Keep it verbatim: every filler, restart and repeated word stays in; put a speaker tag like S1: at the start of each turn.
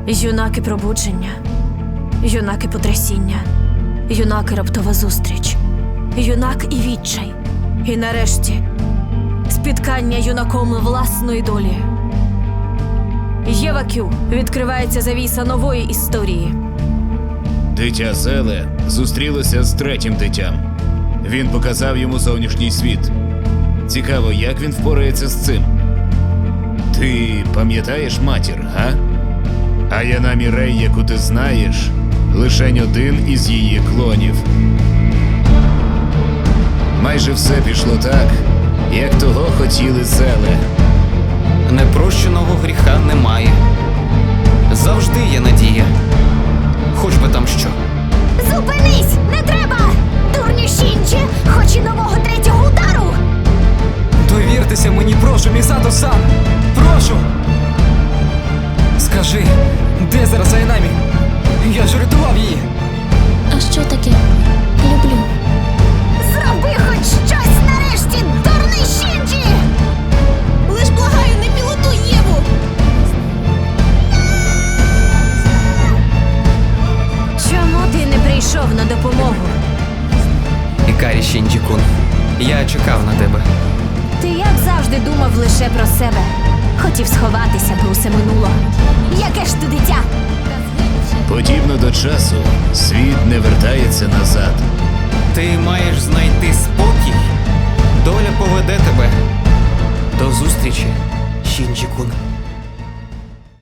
S1: Юнаки пробудження, юнаки потрясіння, юнаки раптова зустріч, юнак і відчай. І нарешті спіткання юнаком власної долі. Єва Кю. Відкривається завіса нової історії.
S2: Дитя Зеле зустрілося з третім дитям. Він показав йому зовнішній світ. Цікаво, як він впорається з цим. Ти пам'ятаєш матір, га? А Яна Мірей, яку ти знаєш, лишень один із її клонів. Майже все пішло так, як того хотіли Зеле.
S3: Непрощеного гріха немає. Завжди є надія. Хоч би там що.
S4: Зупинись! Не треба! Дурню Шінджі! Хоч і нового третього удару!
S5: Довіртеся мені, прошу, Місато-сан! Прошу! Скажи, де зараз Айнамі? Я ж рятував її!
S6: А що таке? Люблю.
S4: Зроби хоч щось нарешті, дурний Шінджі! Лиш благаю, не пілотуй Єву!
S1: Чому ти не прийшов на допомогу?
S3: Ікарі Шінджі-кун, я чекав на тебе.
S1: Ти, як завжди, думав лише про себе. Хотів сховатися, бо усе минуло.
S4: Яке ж ти дитя?
S2: Подібно до часу, світ не вертається назад.
S3: Ти маєш знайти спокій. Доля поведе тебе. До зустрічі, Шінджі-кун.